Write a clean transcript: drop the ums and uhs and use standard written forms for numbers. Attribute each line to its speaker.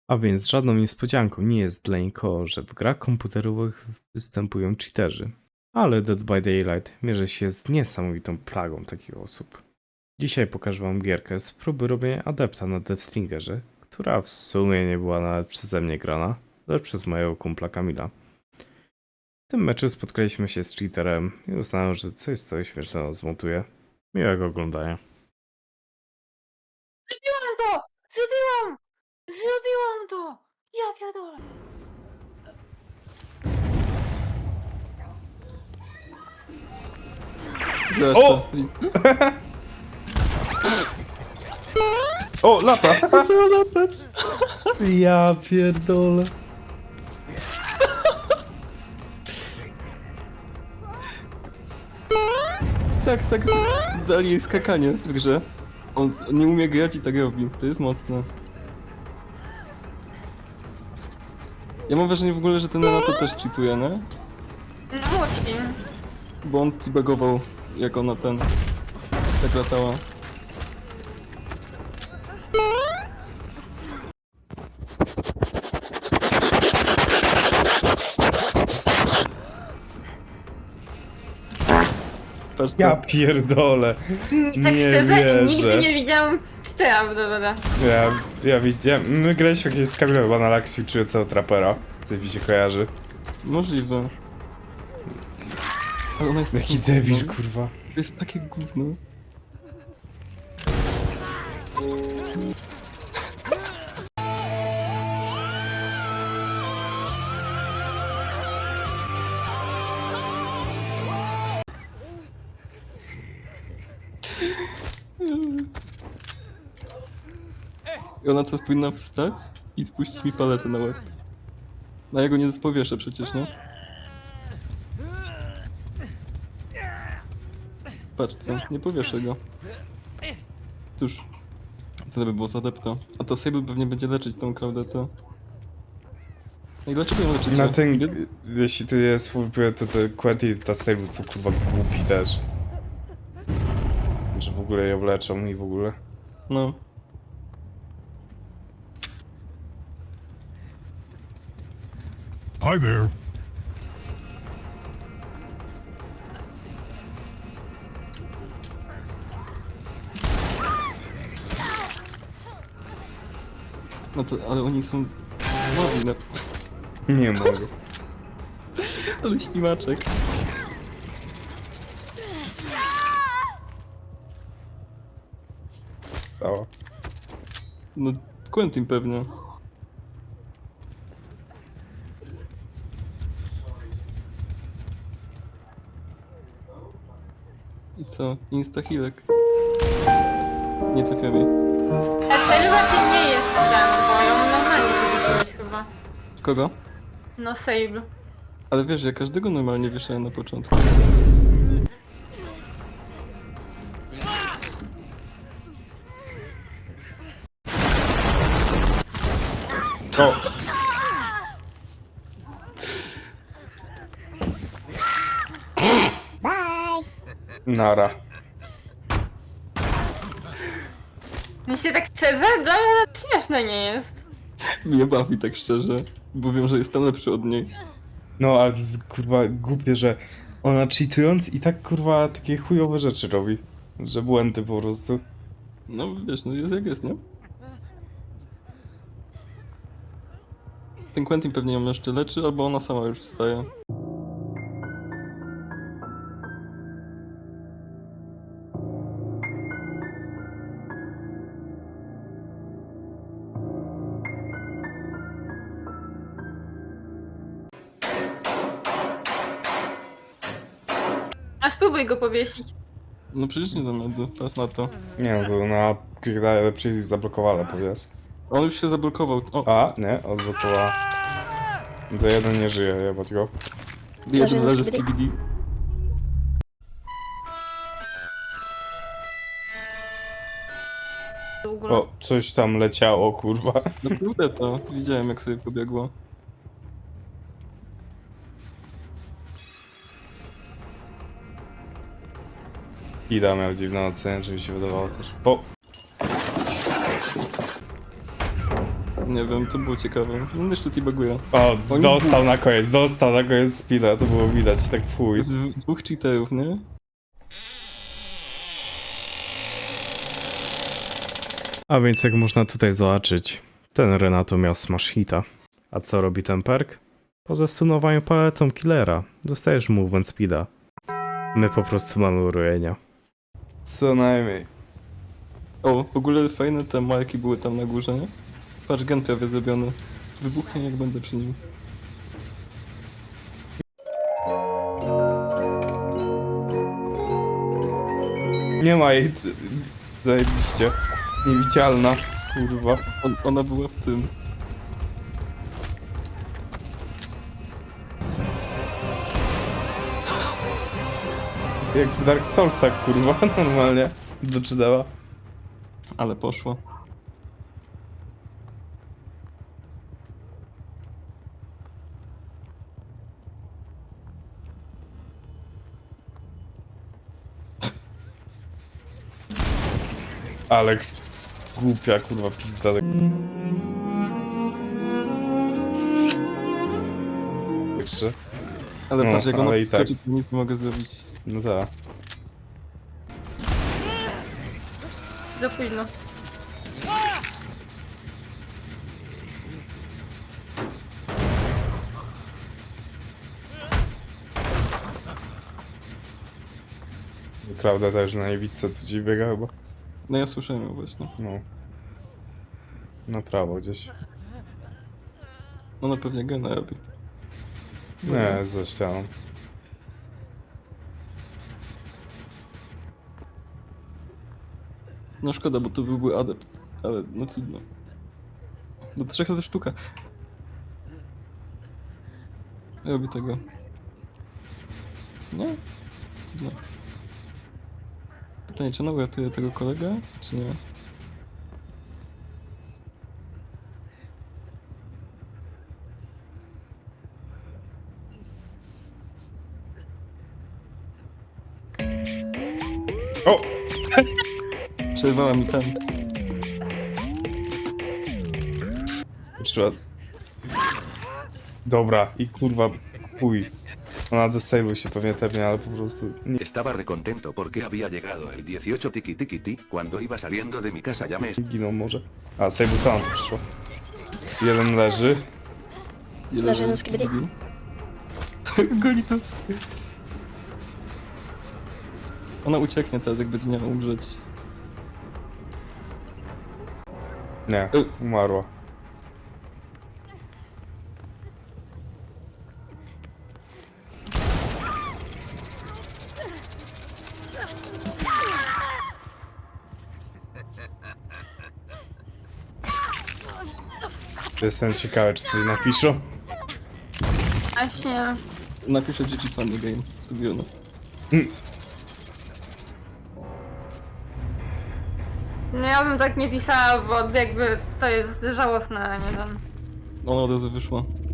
Speaker 1: A więc żadną niespodzianką nie jest dla nikogo, że w grach komputerowych występują cheaterzy. Ale Dead by Daylight mierzy się z niesamowitą plagą takich osób. Dzisiaj pokażę wam gierkę z próby robienia adepta na Deathstringerze, która w sumie nie była nawet przeze mnie grana, lecz przez mojego kumpla Kamila. W tym meczu spotkaliśmy się z cheaterem i uznałem, że coś z tego śmiesznego zmontuję. Miłego oglądania.
Speaker 2: Zrobiłam to! Zrobiłam! Zrobiłam to! Ja pierdolę!
Speaker 1: O! O, lata!
Speaker 3: Zaczęła latać.
Speaker 1: Ja pierdolę.
Speaker 3: Tak, dali jej skakanie w grze. On nie umie grać i tak robi. To jest mocne. Ja mam wrażenie w ogóle, że ten Renato też cheatuje, nie?
Speaker 2: No musi.
Speaker 3: Bo on zbagował, jak ona tak latała. Patrz to.
Speaker 1: Ja pierdolę.
Speaker 2: Tak
Speaker 1: Nie
Speaker 2: szczerze,
Speaker 1: wierzę.
Speaker 2: nigdy nie widziałam cztera w DWD.
Speaker 1: Ja widziałem. My graliśmy jakieś z Kamilem chyba na Lax ćwiczyjącego trapera. Coś mi się kojarzy.
Speaker 3: Możliwe. Ale ona jest
Speaker 1: Jaki
Speaker 3: takie
Speaker 1: debil,
Speaker 3: gówno.
Speaker 1: kurwa.
Speaker 3: To jest takie gówno. I ona teraz powinna wstać i spuścić mi paletę na łeb. No ja go nie spowieszę przecież, no. Patrz co, nie powieszę go. Cóż, co by było za adepta? A to Sable pewnie będzie leczyć tą Claudetę. No i dlaczego ją leczycie?
Speaker 1: Na ten, jeśli to jest full play, to Quentin i ta Stable są kurwa głupi też. Że w ogóle ją leczą i w ogóle.
Speaker 3: No.
Speaker 4: Hi there.
Speaker 3: No to, ale oni są słabi, no.
Speaker 1: Nie mogę.
Speaker 3: Ale ślimaczek.
Speaker 1: Stała.
Speaker 3: No, Quentin pewnie. I co? Instahilek. Nie trafiamy.
Speaker 2: Tak, to raczej nie jest ten, bo ją normalnie wywiesiłeś chyba.
Speaker 3: Kogo?
Speaker 2: No Sable.
Speaker 3: Ale wiesz, ja każdego normalnie wieszałem na początku.
Speaker 1: O! Nara.
Speaker 2: Myślę tak szczerze, dla mnie nawet śmieszne nie jest.
Speaker 3: Mnie bawi tak szczerze, bo wiem, że jestem lepszy od niej.
Speaker 1: No, ale to jest kurwa głupie, że ona cheatując i tak kurwa takie chujowe rzeczy robi. Że błędy po prostu.
Speaker 3: No wiesz, no jest jak jest, nie? Ten Quentin pewnie ją jeszcze leczy, albo ona sama już wstaje.
Speaker 2: A spróbuj go powiesić.
Speaker 3: No przecież nie dam rady, patrz na to.
Speaker 1: Nie no, to ona daje przycisk zablokowany, powiedz.
Speaker 3: On już się zablokował. O,
Speaker 1: A, nie, odblokowała. To jeden nie żyje, jebać go.
Speaker 3: jeden leży z KBD.
Speaker 2: W ogóle.
Speaker 1: O, coś tam leciało, kurwa.
Speaker 3: No kurde to, widziałem jak sobie pobiegło.
Speaker 1: Ida miał dziwną ocenę, czy mi się wydawało też. Po!
Speaker 3: Nie wiem, to było ciekawe. No jeszcze T-baguje.
Speaker 1: O,
Speaker 3: Oni
Speaker 1: dostał na koniec speeda, to było widać, tak w chuj.
Speaker 3: Dwóch cheaterów, nie?
Speaker 1: A więc jak można tutaj zobaczyć, ten Renato miał smash hita. A co robi ten perk? Po zastunowaniu paletą killera dostajesz movement speeda. My po prostu mamy urojenia. Co najmniej.
Speaker 3: O, w ogóle fajne te marki były tam na górze, nie? Patrz, gen prawie zrobiony. Wybuchnie jak będę przy nim.
Speaker 1: Nie ma jej, zajebiście. Niewidzialna, kurwa.
Speaker 3: Ona była w tym.
Speaker 1: Jak w Dark Soulsach, kurwa, normalnie. Doczydała.
Speaker 3: Ale poszło.
Speaker 1: Alex, głupia, kurwa, pizda. Jeszcze?
Speaker 3: Ale
Speaker 1: No,
Speaker 3: patrz, jak ona
Speaker 1: ale i tak.
Speaker 3: skoczy, to nic nie mogę zrobić.
Speaker 1: No tak.
Speaker 2: Za późno.
Speaker 1: Klauda też na niewidce tu gdzieś biega chyba.
Speaker 3: No ja słyszałem ją właśnie.
Speaker 1: No. Na prawo gdzieś.
Speaker 3: Ona pewnie gena robi.
Speaker 1: Nie, za ścianą.
Speaker 3: No szkoda, bo to byłby adept. Ale no trudno. Do 3 razy sztuka. Robi tego. No. Trudno. Pytanie, czy ona uratuje tego kolegę, czy nie?
Speaker 1: O!
Speaker 3: Przerwała mi ten.
Speaker 1: Trzeba... Dobra, i kurwa, chuj. Ona desailuj się pewnie tepnie, ale po prostu... Nie.
Speaker 4: Estaba recontento porque había llegado el 18 tiki tiki ti. Cuando iba saliendo de mi casa llamé.
Speaker 1: Giną może. A, Sejbu sama tu przyszła. Jeden leży.
Speaker 3: Leży na skibidi. Golitos. Ona ucieknie teraz, jak będzie miała umrzeć.
Speaker 1: Nie, umarła. Jestem ciekawy, czy coś napiszą.
Speaker 2: Właśnie.
Speaker 3: Napiszę GG Funny Game, to be honest.
Speaker 2: No ja bym tak nie pisała, bo jakby to jest żałosne, a nie wiem.
Speaker 3: Ona od razu wyszła.